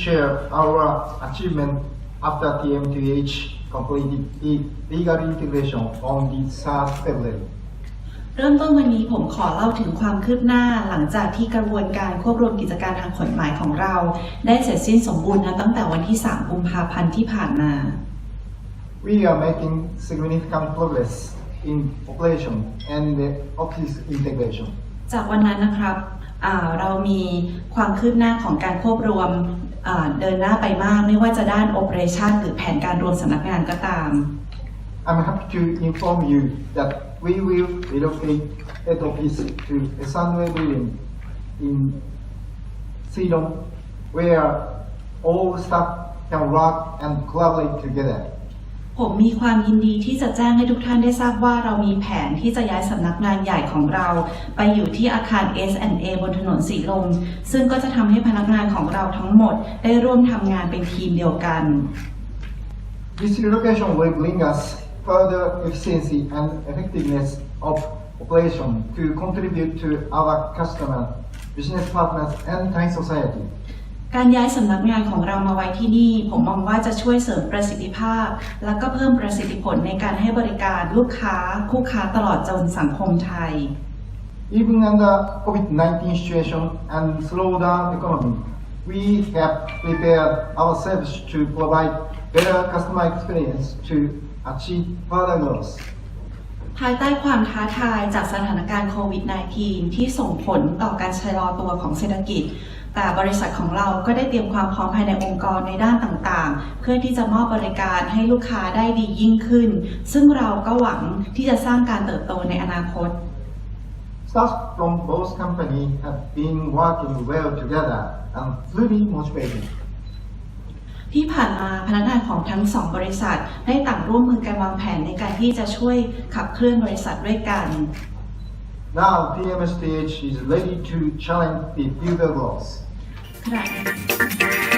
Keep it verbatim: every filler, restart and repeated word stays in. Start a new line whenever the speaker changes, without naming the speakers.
share our achievement after ที เอ็ม ที เอช completed the legal integration on the third February.
เริ่มต้นวันนี้ผมขอเล่าถึงความคืบหน้าหลังจากที่กระบวนการควบรวมกิจการทางกฎหมายของเราได้เสร็จสิ้นสมบูรณ์นะตั้งแต่วันที่ สาม กุมภาพันธ์ที่ผ่านมา
We are making significant progress in operation and the office integration.
จากวันนั้นนะครับเรามีความคืบหน้าของการควบรวมเดินหน้าไปมากไม่ว่าจะด้าน operation หรือแผนการรวมสำนักงานก็ตาม
I'm happy to inform you that we will relocate head office to a Sunway building in Ceylon, where all staff can work and collaborate together.
ผมมีความยินดีที่จะแจ้งให้ทุกท่านได้ทราบว่าเรามีแผนที่จะย้ายสำนักงานใหญ่ของเราไปอยู่ที่อาคาร เอส แอนด์ เอ บนถนนสีลมซึ่งก็จะทำให้พนักงานของเราทั้งหมดได้ร่วมทำงานเป็นทีมเดียวกัน
This relocation will bring us further efficiency and effectiveness of operation to contribute to our customers, business partners, and Thai society.
การย้ายสำนักงานของเรามาไว้ที่นี่ผมมองว่าจะช่วยเสริมประสิทธิภาพและก็เพิ่มประสิทธิผลในการให้บริการลูกค้าคู่ค้าตลอดจนสังคมไทย
Even under โควิด nineteen situation and slowdown economy, we have prepared ourselves to provide better customer experience to achieve further growth.
ภายใต้ความท้าทายจากสถานการณ์โควิด สิบเก้า ที่ส่งผลต่อการชะลอตัวของเศรษฐกิจแต่บริษัทของเราก็ได้เตรียมความพร้อมภายในองค์กรในด้านต่างๆเพื่อที่จะมอบบริการให้ลูกค้าได้ดียิ่งขึ้นซึ่งเราก็หวังที่จะสร้างการเติบโตในอนาคต
Staff from both companies have been working well together and fully motivated.
ที่ผ่านมาพนักงานของทั้งสองบริษัทได้ต่างร่วมมือกันวางแผนในการที่จะช่วยขับเคลื่อนบริษัทด้วยกัน
Now ที เอ็ม เอส ที เอช is ready to challenge the future growth.
ขณะ